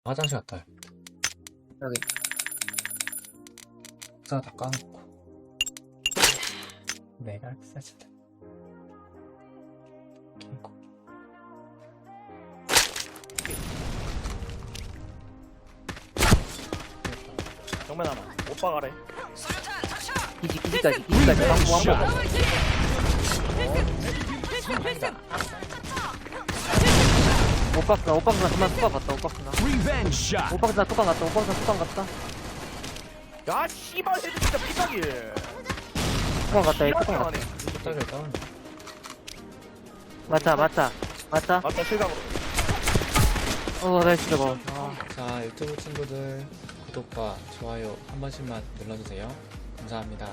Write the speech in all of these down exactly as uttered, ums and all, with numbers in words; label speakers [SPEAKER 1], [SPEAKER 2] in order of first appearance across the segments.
[SPEAKER 1] 화장실 갔다 와요.
[SPEAKER 2] 여기.
[SPEAKER 1] 사 다 까놓고. 내가 싸진다. 킹고.
[SPEAKER 3] 정면 하나. 오빠 가래.
[SPEAKER 2] 기지, 기지까지, 기지까지. 방구, 방구. 오빠스나, 오빠스나 그만 뚜껑 갔다, 오빠스나.
[SPEAKER 4] Revenge shot.
[SPEAKER 2] 오빠스나 뚜껑 갔다, 오빠스나 뚜껑 갔다.
[SPEAKER 3] 야 씨발 헤드 진짜 피딱이.
[SPEAKER 2] 뚜껑 갔다, 얘 뚜껑 갔다.
[SPEAKER 1] 숫자를 다운.
[SPEAKER 2] 맞다, 맞다. 맞다.
[SPEAKER 3] 맞다 실각으로.
[SPEAKER 2] 어, 나이스 저거.
[SPEAKER 1] 자, 유튜브 친구들 구독과 좋아요 한 번씩만 눌러주세요. 감사합니다.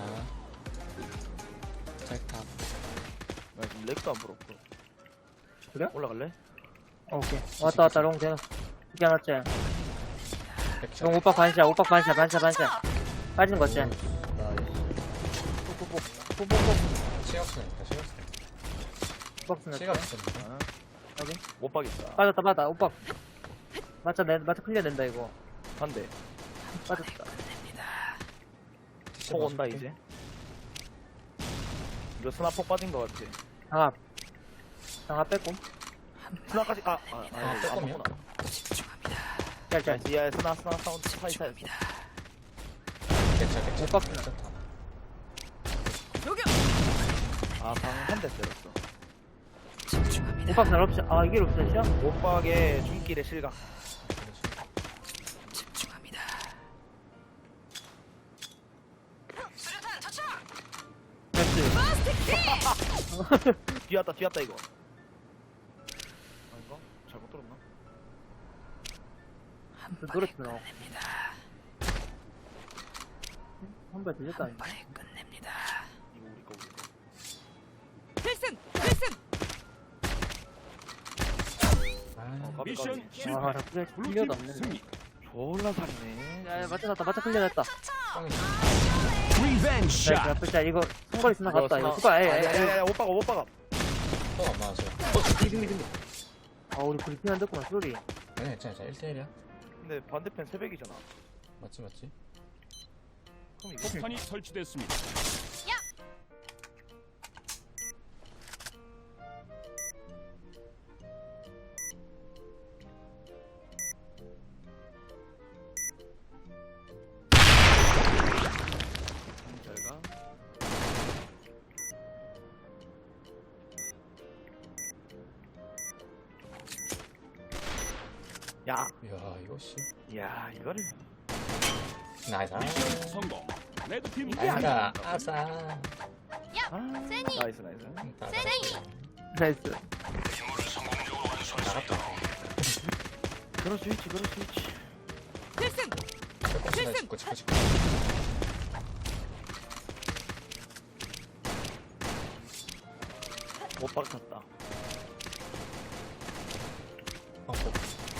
[SPEAKER 1] 짤탑.
[SPEAKER 3] 나 지금 렉도 안 불었고.
[SPEAKER 2] 그래?
[SPEAKER 3] 올라갈래?
[SPEAKER 2] 어, 오케이. 왔다, 왔다, 롱, 제가. 이게 하나째.
[SPEAKER 1] 액션.
[SPEAKER 2] 롱, 오빠 반샷, 오빠 반샷, 반샷, 반샷. 빠지는 거지.
[SPEAKER 3] 나이스.
[SPEAKER 2] 뽀뽀뽀, 뽀뽀뽀.
[SPEAKER 1] 시각스니까 시각스.
[SPEAKER 2] 오빠스나.
[SPEAKER 1] 시각스.
[SPEAKER 3] 아,
[SPEAKER 2] 여기.
[SPEAKER 3] 못 박겠다.
[SPEAKER 2] 빠졌다, 빠졌다, 오빠. 맞자, 내, 맞자, 클리어 된다, 이거.
[SPEAKER 3] 반대.
[SPEAKER 2] 빠졌다.
[SPEAKER 3] 폭 온다 이제. 이거 스나 폭 빠진 거 같지?
[SPEAKER 2] 장압. 장압 뺐고.
[SPEAKER 3] 스나까지 아, 아, 아,
[SPEAKER 1] 아,
[SPEAKER 3] 아
[SPEAKER 1] 빼꼼이야?
[SPEAKER 3] 맞구나.
[SPEAKER 2] 짤, 짤.
[SPEAKER 3] 나이스. 야 스나 스나 사운드 사이 사이.
[SPEAKER 1] 객차 객차.
[SPEAKER 2] 못 박스나.
[SPEAKER 3] 아방 한 대 때렸어.
[SPEAKER 2] 오빠스나 럽샷. 아, 이게 럽샷이야?
[SPEAKER 3] 못 박의 중길의 실각.
[SPEAKER 2] 나이스.
[SPEAKER 3] 뒤왔다 뒤왔다 이거. 아닌가? 잘못 들었나?
[SPEAKER 2] 노래 틀어. 한발 들렸다. 아닌가?
[SPEAKER 3] 이거 우리 거 우리 거.
[SPEAKER 5] 필승! 필승!
[SPEAKER 3] 어,
[SPEAKER 1] 아,
[SPEAKER 3] 까비,
[SPEAKER 4] 미션
[SPEAKER 3] 까비.
[SPEAKER 4] 실패.
[SPEAKER 2] 아, 나 클리어, 클리어도 안
[SPEAKER 4] 블루팀
[SPEAKER 2] 됐네.
[SPEAKER 4] 승리.
[SPEAKER 3] 졸라 살이네.
[SPEAKER 2] 야, 야, 맞춰 놨다, 맞춰 클리어 됐다.
[SPEAKER 1] 뻥이.
[SPEAKER 4] Revenge
[SPEAKER 2] 자,
[SPEAKER 4] shot.
[SPEAKER 2] 자, 이거 상거리 쓰나
[SPEAKER 3] 이거
[SPEAKER 2] 갔다. 이거
[SPEAKER 3] 스나-
[SPEAKER 2] 수가, 에, 에, 에.
[SPEAKER 3] 야야야 못 박아 못 박아.
[SPEAKER 1] 또안 맞았어요.
[SPEAKER 3] 승리 승리.
[SPEAKER 2] 아, 우리 브리핑 안 듣구나, 소리.
[SPEAKER 1] 아니 괜찮아. 일 대 일이야.
[SPEAKER 3] 근데 반대편 새벽이잖아.
[SPEAKER 1] 맞지 맞지.
[SPEAKER 3] 그럼 이거
[SPEAKER 4] 폭탄이 설치됐습니다.
[SPEAKER 3] 잘 가. 야,
[SPEAKER 1] 이야 이거 씨.
[SPEAKER 3] 야 이거를.
[SPEAKER 1] 나이스.
[SPEAKER 4] 미션 성공. 레드팀
[SPEAKER 3] 이게
[SPEAKER 1] 아싸 아싸.
[SPEAKER 3] 아, 나이스 나이스.
[SPEAKER 2] 나이스.
[SPEAKER 1] 나갔다.
[SPEAKER 3] 그럴 수 있지, 그럴 수 있지.
[SPEAKER 5] 필승!
[SPEAKER 1] 빼꼼 짚고 짚고 짚고.
[SPEAKER 3] 못 박혔다.
[SPEAKER 1] 어, 어.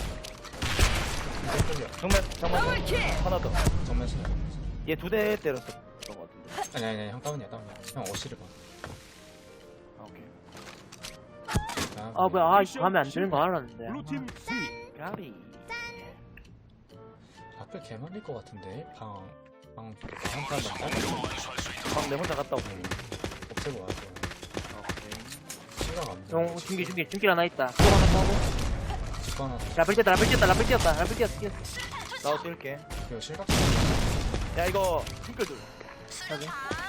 [SPEAKER 1] 이제 끌려.
[SPEAKER 3] 정면, 정면,
[SPEAKER 5] 더블킬!
[SPEAKER 3] 하나 더.
[SPEAKER 1] 정면 스나.
[SPEAKER 3] 얘 두 대 때렸었던 것 같은데.
[SPEAKER 1] 아니 아니 아니 형 다운이야 다운이야. 형 어시를 봐.
[SPEAKER 3] 아, 오케이.
[SPEAKER 1] 다음.
[SPEAKER 2] 아, 뭐야, 아, 이거 가면 안 되는 거 알았는데.
[SPEAKER 4] 블루팀 승리.
[SPEAKER 3] 까비.
[SPEAKER 1] 앞에 개 말릴 것 같은데 방. 방. 방 한판 더
[SPEAKER 3] 방내 혼자 갔다 오고.
[SPEAKER 1] 없애고 와서.
[SPEAKER 3] 오케이.
[SPEAKER 1] 시간 안 돼.
[SPEAKER 2] 용, 중기, 중기, 중기 하나 있다. 또 하나 따고.
[SPEAKER 1] 집 하나.
[SPEAKER 2] 라벨 뛰었다, 라벨 뛰었다, 라벨 뛰었다, 라벨 뛰었어, 뛰었어.
[SPEAKER 3] 나도 뛸게.
[SPEAKER 1] 이거 실각.
[SPEAKER 3] 야, 이거, 핑클 둘.
[SPEAKER 2] 여기.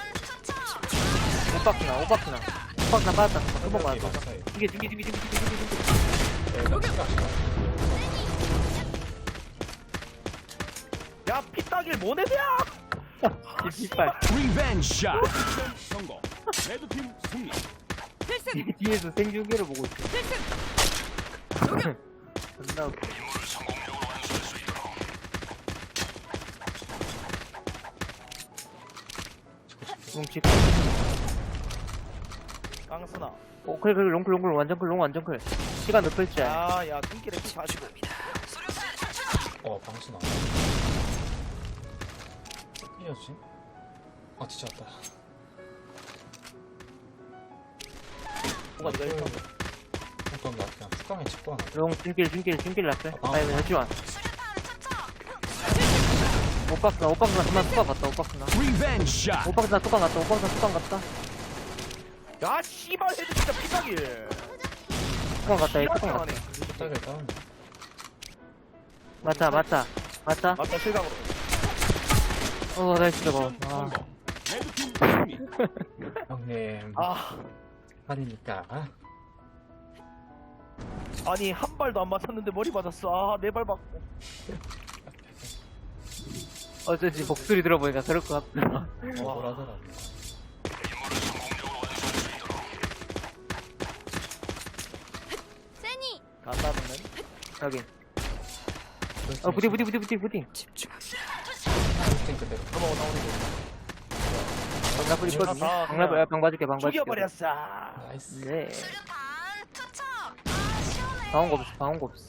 [SPEAKER 2] 오박스나, 오박스나. 오박스나 빠졌다. 한번
[SPEAKER 1] 방
[SPEAKER 2] 맞았다.
[SPEAKER 1] 사이.
[SPEAKER 2] 중기, 중기, 중기, 중기, 중기, 중기, 중기.
[SPEAKER 1] 여기가 실각 실각.
[SPEAKER 3] 야, 피따길 모네드야!
[SPEAKER 2] 뒷발.
[SPEAKER 4] Revenge shot. 미션 성공. 레드팀 승리.
[SPEAKER 5] 필승!
[SPEAKER 2] 뒤에서 생중계를 보고 있어.
[SPEAKER 5] 필승!
[SPEAKER 2] 존나 웃겨. 뭉치.
[SPEAKER 3] 깡스나.
[SPEAKER 2] 어, 그래, 그래, 롱클, 롱클, 완전 클, 롱, 완전 클. 시간 높을 줄.
[SPEAKER 3] 야, 야, 핑클에 피 사십오.
[SPEAKER 1] 어 방수 나와. 이었지? 아 뒤졌다.
[SPEAKER 3] 뭐가 내가 있어?
[SPEAKER 1] 어떤 나 그냥 축강에 짚고 하나.
[SPEAKER 2] 롱, 중길, 중길, 중길 라플.
[SPEAKER 1] 아,
[SPEAKER 2] 아니, 잠시만. 오박스나 오박스나 그만 뚜껑 갔다 오박스나
[SPEAKER 4] 리벤지 샷.
[SPEAKER 2] 오박스나 뚜껑 갔다 오박스나 뚜껑 갔다
[SPEAKER 3] 야 씨발 헤드 진짜 피박일.
[SPEAKER 2] 뚜껑 갔다 이 뚜껑 갔다
[SPEAKER 3] 하네.
[SPEAKER 1] 딱 일단
[SPEAKER 2] 맞다 맞다 맞다
[SPEAKER 3] 맞다 실각으로.
[SPEAKER 2] 어 나이스 저거
[SPEAKER 4] 미션
[SPEAKER 2] 아
[SPEAKER 4] 성공. 레드팀 승리.
[SPEAKER 1] 형님
[SPEAKER 3] 아
[SPEAKER 1] 아니니까
[SPEAKER 3] 아니 한 발도 안 맞췄는데 머리 맞았어. 아네 발 맞고.
[SPEAKER 2] 어쩐지 목소리 들어보니까 그럴 것 같다
[SPEAKER 1] 뭐라더라.
[SPEAKER 5] 세니.
[SPEAKER 3] 간다는.
[SPEAKER 2] 여기 어 부디 부디 부디 부디 부디
[SPEAKER 1] 팀 그대로.
[SPEAKER 3] 넘어가 나오는
[SPEAKER 2] 방라불 있거든요
[SPEAKER 3] 다
[SPEAKER 2] 방라불 야, 방 봐줄게 방
[SPEAKER 3] 거.
[SPEAKER 2] 봐줄게
[SPEAKER 3] 죽여버렸어.
[SPEAKER 1] 나이스.
[SPEAKER 2] 네
[SPEAKER 5] 수류탄 투척. 아 시원해.
[SPEAKER 2] 방어가 없어 방어가 없어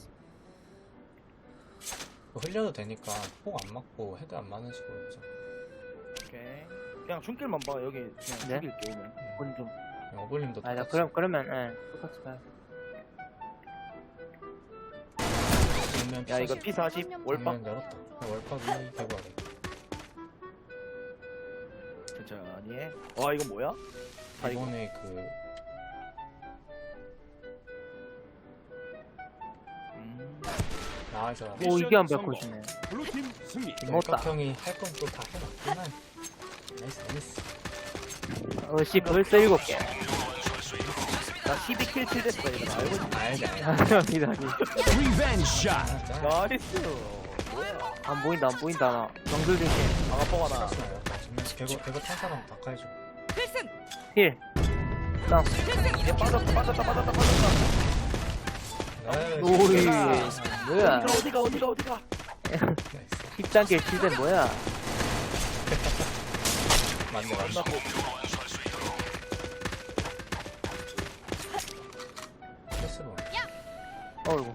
[SPEAKER 1] 이거 흘려도 되니까 폭 안 맞고 헤드 안 맞는 식으로 해보자.
[SPEAKER 3] 오케이. 그냥 중길만 봐. 여기 그냥
[SPEAKER 2] 네?
[SPEAKER 3] 죽일게 오면.
[SPEAKER 2] 그건 좀
[SPEAKER 1] 그냥 어블림도
[SPEAKER 2] 아니 나
[SPEAKER 1] 똑같이.
[SPEAKER 2] 그럼 그러면 예 똑같이 가야
[SPEAKER 1] 정면
[SPEAKER 3] 야 이거
[SPEAKER 1] 피사십.
[SPEAKER 3] 피 사십 월박.
[SPEAKER 1] 정면 열었다. 월박이 대구 아래.
[SPEAKER 3] 천천히 해. 와 이거 뭐야? 아 이거
[SPEAKER 1] 이번에 그
[SPEAKER 3] 음.
[SPEAKER 1] 나와서
[SPEAKER 2] 오 이게 안 바꾸시네
[SPEAKER 4] 블루팀 승리.
[SPEAKER 2] 먹었다.
[SPEAKER 1] 형이 할 건 또 다 해놨구나. 나이스 나이스.
[SPEAKER 2] 어씨 벌써 일곱 개
[SPEAKER 3] 나 십이 킬 칠 됐어 이거 알고 있지?
[SPEAKER 1] 알지 알지.
[SPEAKER 2] 아닙니다 아니
[SPEAKER 4] 리벤지 샷.
[SPEAKER 1] 진짜.
[SPEAKER 3] 나이스. 뭐야?
[SPEAKER 2] 안 보인다 안 보인다 나 정글 중에
[SPEAKER 3] 방아 뻥 하나.
[SPEAKER 1] 정면 개거 개거 탄 사람 다 가야죠.
[SPEAKER 5] 필승.
[SPEAKER 2] 힐 땅.
[SPEAKER 5] 필승.
[SPEAKER 3] 얘 빠졌다 빠졌다 빠졌다 빠졌다.
[SPEAKER 1] 나이스.
[SPEAKER 2] 오이 뭐야
[SPEAKER 3] 어디가 어디가 어디가 어디가.
[SPEAKER 1] 나이스.
[SPEAKER 2] 십장 길 칠대 뭐야
[SPEAKER 1] 맞네 맞네.
[SPEAKER 3] 끝났고.
[SPEAKER 1] 패스로.
[SPEAKER 2] 어이구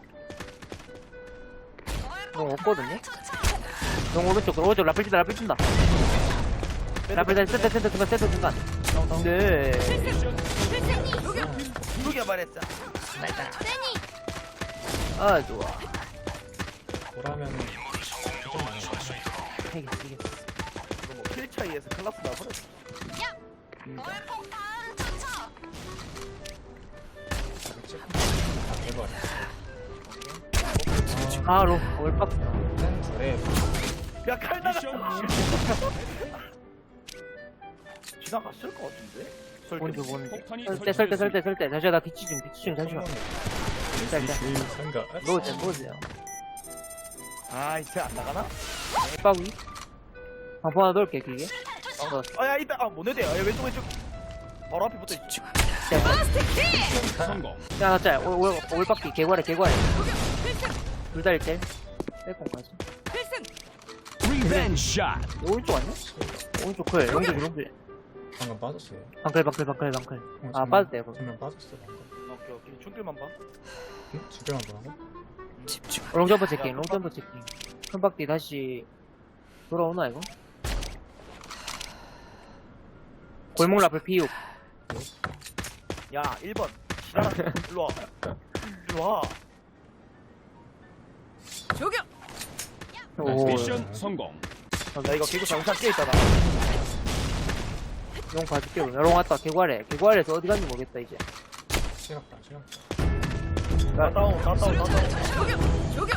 [SPEAKER 2] 너 없거든요? 너 오른쪽 오른쪽 라플 친다 라플 친다 라플 다 센터 센터 중간 센터 중간 네
[SPEAKER 5] 필승. 녹여.
[SPEAKER 3] 죽여버렸어.
[SPEAKER 5] 세니.
[SPEAKER 2] 아 좋아
[SPEAKER 1] 보라면은 좀 많이 나.
[SPEAKER 2] 이겼어 이겼어
[SPEAKER 3] 이거 뭐킬 차이에서 클라스 나버렸어.
[SPEAKER 5] 월폭탄 투척.
[SPEAKER 1] 아 대구 아래.
[SPEAKER 2] 바로 월박
[SPEAKER 1] 한 둘에
[SPEAKER 3] 야칼
[SPEAKER 4] 미션
[SPEAKER 3] 나갔어.
[SPEAKER 4] 실패.
[SPEAKER 3] 지나갔을 것 같은데. 설계.
[SPEAKER 2] 뭔지 뭔지
[SPEAKER 4] 폭탄이
[SPEAKER 2] 설대 설대 설대 설대 잠시만 나 기치 좀 기치 좀 잠시만 짤짤
[SPEAKER 1] 상가.
[SPEAKER 2] 놓으세요 놓으세요
[SPEAKER 3] 아 이제 안 나가나?
[SPEAKER 2] 빠위 방포 하나 넣을게 길게 넣었어
[SPEAKER 3] 아야 이따 아 모네드야. 야 왼쪽 왼쪽. 바로 앞에 붙어 있지.
[SPEAKER 4] 성공.
[SPEAKER 2] 야나 짤 올박기 개괄해 개괄해
[SPEAKER 5] 필승.
[SPEAKER 2] 둘 다 일대 빼꼼까지
[SPEAKER 5] 필승.
[SPEAKER 4] 리벤지 샷.
[SPEAKER 2] 오른쪽 아니야? 오른쪽 클 용줄 용줄
[SPEAKER 1] 방금 빠졌어요.
[SPEAKER 2] 방클 방클 방클 방클
[SPEAKER 1] 어,
[SPEAKER 2] 아
[SPEAKER 1] 정면-
[SPEAKER 2] 빠졌다 이거
[SPEAKER 1] 정면 빠졌어 방금.
[SPEAKER 3] 오케이 오케이. 중길만 봐.
[SPEAKER 1] 응? 주변만 보라고?
[SPEAKER 2] 롱점퍼 체킹 롱점퍼 체킹 큰 박디 다시 돌아오나 이거? 골목 라플 피육
[SPEAKER 3] 야 일 번. 지나가. 일로 와. 일로 와.
[SPEAKER 5] 조교.
[SPEAKER 2] 오
[SPEAKER 4] 미션 성공.
[SPEAKER 3] 야 이거 개구 정상 깨 있잖아.
[SPEAKER 2] 용 봐줄게 롱 왔다 개괄해 개괄해서 어디 갔는지 모르겠다 이제
[SPEAKER 1] 시각다 시각다.
[SPEAKER 3] 나 다운 나 다운 나 다운.
[SPEAKER 5] 조교. 조교.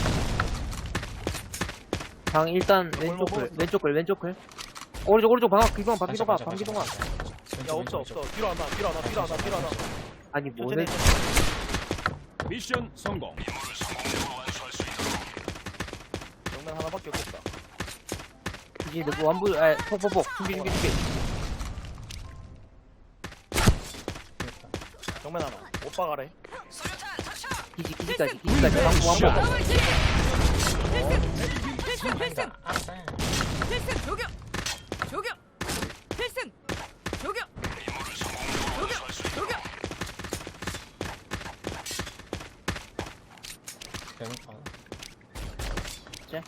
[SPEAKER 2] 방 일단 왼쪽 클 왼쪽 클 왼쪽 클 오른쪽 오른쪽 방학 기동 방 기동 방 기동 방
[SPEAKER 3] 야 없어 없어. 뒤로 하나 뒤로 하나 뒤로 하나 뒤로 하나.
[SPEAKER 2] 아니 뭐네
[SPEAKER 3] 천천히.
[SPEAKER 4] 미션 성공.
[SPEAKER 3] 정면 하나밖에 없겠다.
[SPEAKER 2] 이제 너 완부 아 폭폭폭 준비 준비 준비
[SPEAKER 3] 정면 하나. 오빠 가래.
[SPEAKER 2] 기지 기지까지 기지까지 완부 완부
[SPEAKER 5] 마음을 지려. 필승. 필승. 필승.
[SPEAKER 1] 아싸.
[SPEAKER 5] 필승. 조교. 조교. 필승. 조교. 조교. 조교.
[SPEAKER 1] 대놓고 하나.
[SPEAKER 2] 자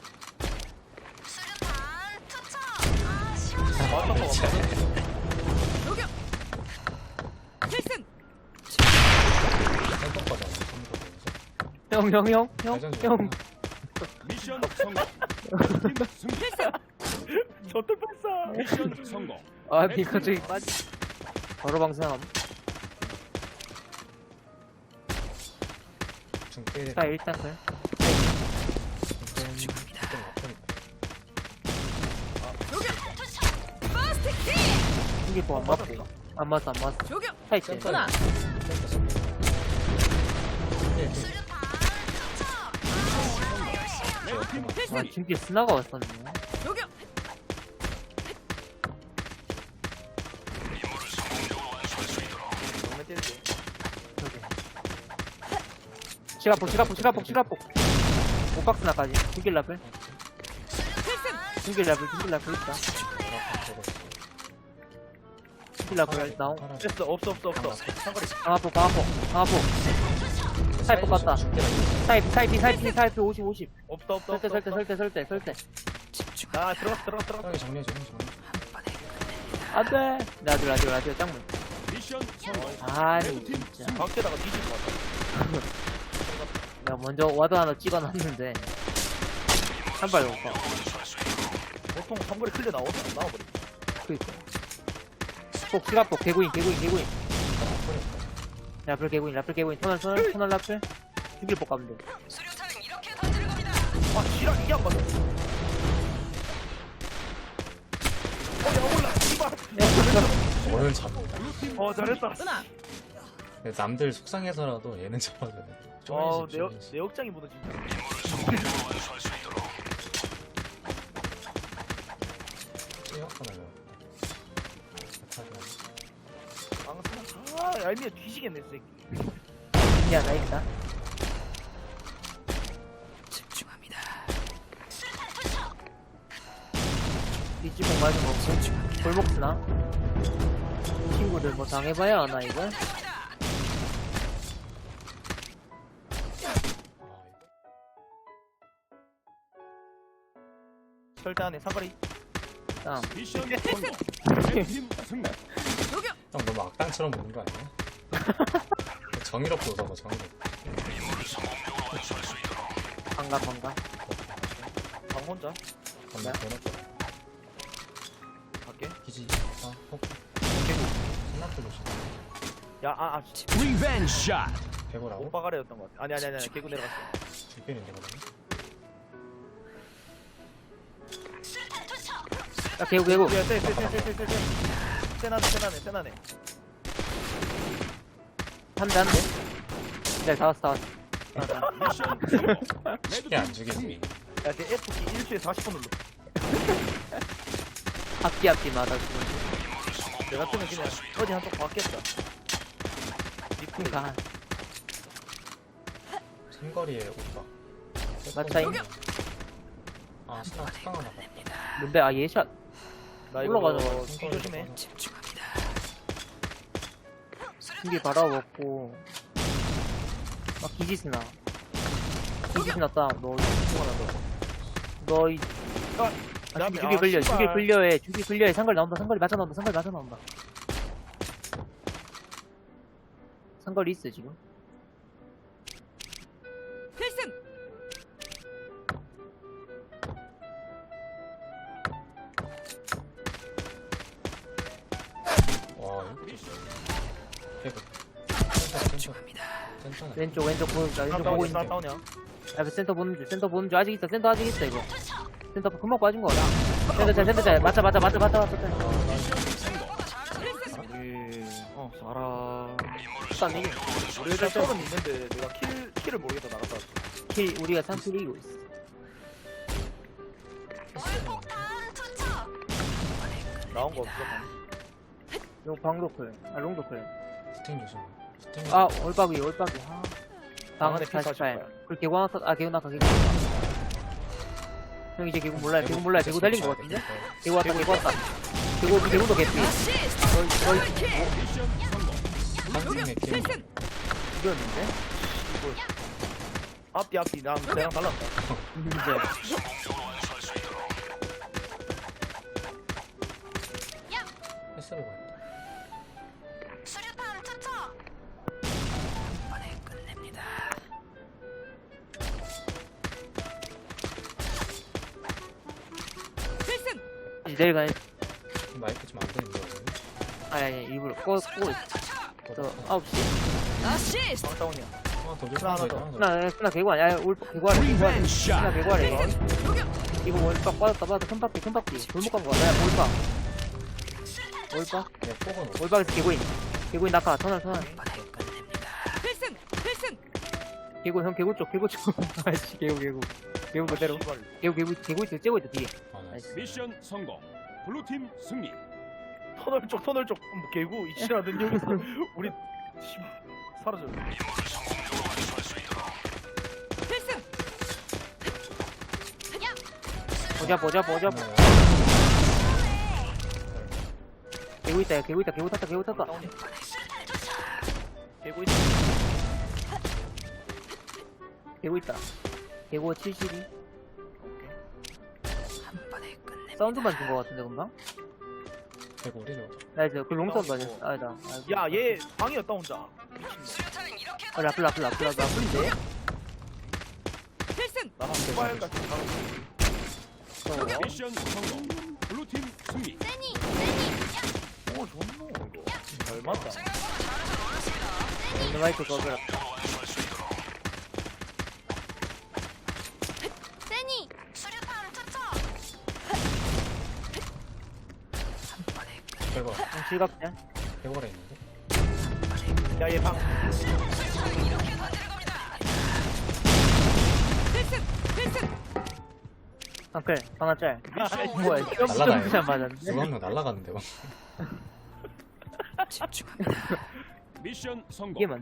[SPEAKER 5] 수류탄 투척. 아 시원해.
[SPEAKER 3] 맞다 거
[SPEAKER 5] 조교. 필승.
[SPEAKER 1] 생각보다 안
[SPEAKER 2] 형 형 형 형 형
[SPEAKER 1] 형.
[SPEAKER 4] 미션 미션 성공. 레드팀 승리.
[SPEAKER 3] 저들 발사.
[SPEAKER 4] 미션 성공.
[SPEAKER 2] 아 이거 저기 빠지 바로 방생함.
[SPEAKER 1] 중계.
[SPEAKER 2] 자 일단 그 이게 뭐안 맞고 안 맞어 안 맞어. 차 있지.
[SPEAKER 1] 하나.
[SPEAKER 4] 레드팀
[SPEAKER 2] 아
[SPEAKER 4] 승리.
[SPEAKER 2] 중계 스나가 왔었네.
[SPEAKER 3] 정말 때리지.
[SPEAKER 2] 시가폭 시가폭 시가폭 시가폭 오박스 나까지 중길 라플 중길 라플 중길 라플 있다. 중길 라플 나온
[SPEAKER 3] 됐어. 없어 없어 없어. 상거리.
[SPEAKER 2] 강화폭 강화폭 강화폭 사이폭 갔다. 사이피 사이피 사이피 사이피 오십 오십
[SPEAKER 3] 없다 없다
[SPEAKER 2] 설대
[SPEAKER 3] 없다.
[SPEAKER 2] 설대 설대 설대 설대
[SPEAKER 3] 아 들어갔어 들어갔어 들어갔어.
[SPEAKER 1] 형이 정리해줘. 형이 정리해줘.
[SPEAKER 2] 안돼. 라디오 라디오 라디오 짱문.
[SPEAKER 4] 미션 성공.
[SPEAKER 2] 아니
[SPEAKER 4] 레드팀
[SPEAKER 2] 진짜
[SPEAKER 3] 밖에다가 뒤질 것 같아.
[SPEAKER 2] 내가 먼저 와드 하나 찍어놨는데 한 발 못 봐.
[SPEAKER 3] 보통 상거리 클리어 나오안 나와버리.
[SPEAKER 2] 그니까 폭 시가폭 개구인 개구인 개구인 라플 개구인 라플 개구인 터널 터널 터널 라플 중길 폭 가면 돼.
[SPEAKER 3] 아 지랄 이게 안 맞아. 어야 올라. 이발.
[SPEAKER 1] 오늘 잡.
[SPEAKER 3] 어 잘했다.
[SPEAKER 1] 남들 속상해서라도 얘는 잡아줘야 돼.
[SPEAKER 3] 어,
[SPEAKER 1] 쪼이지,
[SPEAKER 3] 내,
[SPEAKER 1] 쪼이지.
[SPEAKER 3] 내 역장이 무너진다.
[SPEAKER 1] 찌었구나,
[SPEAKER 3] 방송. 아, 얄미야 뒤지겠네, 이 새끼.
[SPEAKER 2] 야 나 있다. 이지봉 맞은 거 없고 골목 쓰나? 친구들 뭐 당해봐야 하나 이거?
[SPEAKER 3] 절대 안해 상거리.
[SPEAKER 2] 다음
[SPEAKER 4] 미션 성공. 레드팀 승리.
[SPEAKER 1] 형 너무 악당처럼 보는 거 아니야? 정의롭게 웃어봐, 정의롭게.
[SPEAKER 2] 반가 반가.
[SPEAKER 3] 방 혼자.
[SPEAKER 1] 건너, 대놓고.
[SPEAKER 3] 갈게.
[SPEAKER 1] 기지. 아, 호크. 생각도 보시.
[SPEAKER 3] 야, 아, 아,
[SPEAKER 4] 리벤지 샷.
[SPEAKER 1] 배고라고?
[SPEAKER 3] 오빠가래였던 것 같아. 아니, 아니, 아니, 아니, 개구 내려갔어.
[SPEAKER 1] 줄편인데, 그러면?
[SPEAKER 2] 야 개구 개구.
[SPEAKER 3] 야, 쎄, 쎄, 쎄, 쎄, 쎄, 쎄, 쎄. 세나네, 세나네, 세나네.
[SPEAKER 2] 한대 한대. 네 다 왔어 다 왔어.
[SPEAKER 4] 미션 성공.
[SPEAKER 1] 쉽게 안
[SPEAKER 4] 레드팀 승리.
[SPEAKER 1] 주겠지.
[SPEAKER 3] 야, 걔 F키 일 초에 사십 분 눌러.
[SPEAKER 2] 앞뒤 앞뒤마다 지금.
[SPEAKER 3] 내 같으면 그냥 어디 한쪽 받겠다.
[SPEAKER 2] 그니까
[SPEAKER 1] 삼거리에 오빠.
[SPEAKER 2] 맞차임.
[SPEAKER 1] 아, 스나 특강을 나가.
[SPEAKER 2] 뭔데 아 예샷.
[SPEAKER 3] 나 이거
[SPEAKER 2] 올라가자.
[SPEAKER 3] 뒤 조심해.
[SPEAKER 2] 중길 바라먹고 막 기지스나 기지스나 따. 너 너이 아,
[SPEAKER 3] 야,
[SPEAKER 2] 주기,
[SPEAKER 3] 아,
[SPEAKER 2] 주기 불려,
[SPEAKER 3] 씨발.
[SPEAKER 2] 주기 불려해, 주기 불려해. 상거리 나온다, 상거리 맞아 나온다, 상거리 맞아 나온다. 상거리 있어 지금.
[SPEAKER 5] 필승.
[SPEAKER 1] 와, 이거
[SPEAKER 4] 미션
[SPEAKER 1] 배고. 센터네.
[SPEAKER 2] 왼쪽 왼쪽 보는 중, 왼쪽 보고
[SPEAKER 3] 다운이야,
[SPEAKER 2] 있는 중.
[SPEAKER 3] 다운이야.
[SPEAKER 2] 앞에 센터 보는 중, 센터 보는 중. 아직 있어, 센터 아직 있어 이거. 센터 금방 빠진 거야. 센터 잘, 센터 잘. 맞자, 맞자, 맞자, 맞자, 맞자.
[SPEAKER 3] 우리, 어, 알아.
[SPEAKER 2] 일단 이게
[SPEAKER 3] 우리 애들 서른 있는데 내가 킬, 킬을 모르겠다 나갔다.
[SPEAKER 2] 킬 우리가 삼킬 이기고 있어.
[SPEAKER 3] 나온 거 없어.
[SPEAKER 2] 요 방로클, 아 롱도클.
[SPEAKER 1] 스팅 조심. 스팅.
[SPEAKER 2] 아 올박이, 올박이. 아. 방어
[SPEAKER 3] 방어대 피
[SPEAKER 2] 사십팔. 그 개구 하나 탔, 아 개구 나가, 개구 나가. 형 이제 개구 몰라요, 개구 몰라요, 개구 달린 거 같은데? 개구 왔다, 개구 왔다. 개구, 개구도 개피. 거의, 거의
[SPEAKER 4] 미션 성공.
[SPEAKER 1] 한승의 게임.
[SPEAKER 2] 이겼는데?
[SPEAKER 3] 앞뒤, 앞뒤. 난 내랑 달랐다.
[SPEAKER 2] 이제.
[SPEAKER 1] 패스로 갔다.
[SPEAKER 5] 수류탄 투척. 이번에 끝냅니다.
[SPEAKER 2] 내일 가야
[SPEAKER 1] 마이크 좀 안 되는 거 같은데.
[SPEAKER 2] 아니 아니 일부러 꺼 끄고 있어. 저 아홉 시.
[SPEAKER 5] 어시스트.
[SPEAKER 3] 방다운이야.
[SPEAKER 1] 하나 더 줘.
[SPEAKER 3] 하나
[SPEAKER 1] 하나
[SPEAKER 3] 더.
[SPEAKER 1] 더. 하나 더.
[SPEAKER 2] 끝나 끝나 개구아니 아니 올 개구아래 개구아래
[SPEAKER 4] 리벤지
[SPEAKER 2] 끝나
[SPEAKER 4] 샷.
[SPEAKER 2] 개구아래 이거.
[SPEAKER 5] 녹여.
[SPEAKER 2] 이거 월박 빠졌다 빠졌다 큰 바퀴 큰 바퀴 골목 간 거야. 야 올박. 올박
[SPEAKER 1] 네, 폭은 없어.
[SPEAKER 2] 올박에서 개구인. 개구인 낙하 터널 터널.
[SPEAKER 5] 필승. 필승.
[SPEAKER 2] 개구 형 개구 쪽 개구 쪽. 아씨 개구 개구 개구 그대로. 개구 개구 개구 있어 째고 있어 뒤에.
[SPEAKER 1] 아, 나이스.
[SPEAKER 2] 나이스.
[SPEAKER 4] 미션 성공. 블루팀 승리.
[SPEAKER 3] 터널 쪽 터널 쪽 뭐, 개구 이치라든 여기서 우리 씨, 사라져.
[SPEAKER 5] 필승.
[SPEAKER 2] 보자 보자 보자.
[SPEAKER 1] 하나.
[SPEAKER 2] 개구 있다 야, 개구 있다 개구 탔다 개구 탔다.
[SPEAKER 3] 다운이야. 개구 있어.
[SPEAKER 2] 개구 있다. 개구 칠십이.
[SPEAKER 3] 오케이.
[SPEAKER 2] 사운드만 준 거 같은데 금방?
[SPEAKER 1] 개구리죠.
[SPEAKER 2] 나이스 그 롱사운드 아니었어. 아니다.
[SPEAKER 3] 야, 얘 방이었다 혼자. 미친.
[SPEAKER 2] 아 라플 라플 라플 라플 라플인데?
[SPEAKER 5] 필승.
[SPEAKER 3] 나랑 모바일 같은 거.
[SPEAKER 4] 미션 성공. 블루팀 승리.
[SPEAKER 3] 오, 좋노 이거. 잘 맞다.
[SPEAKER 2] 오늘 마이크 꺼져라.
[SPEAKER 5] 세니. 수류탄 투척.
[SPEAKER 1] 개구.
[SPEAKER 2] 형 실각대?
[SPEAKER 1] 개구가 있는데.
[SPEAKER 3] 야, 얘 방.
[SPEAKER 5] 필승. 필승.
[SPEAKER 2] 앙클 방아 짤.
[SPEAKER 3] 야,
[SPEAKER 2] 뭐야
[SPEAKER 1] 날라가요.
[SPEAKER 2] 점프 잘 맞았네.
[SPEAKER 1] 누가 한명 날라갔는데 막.
[SPEAKER 4] 미션 성공.
[SPEAKER 2] 이게 맞네.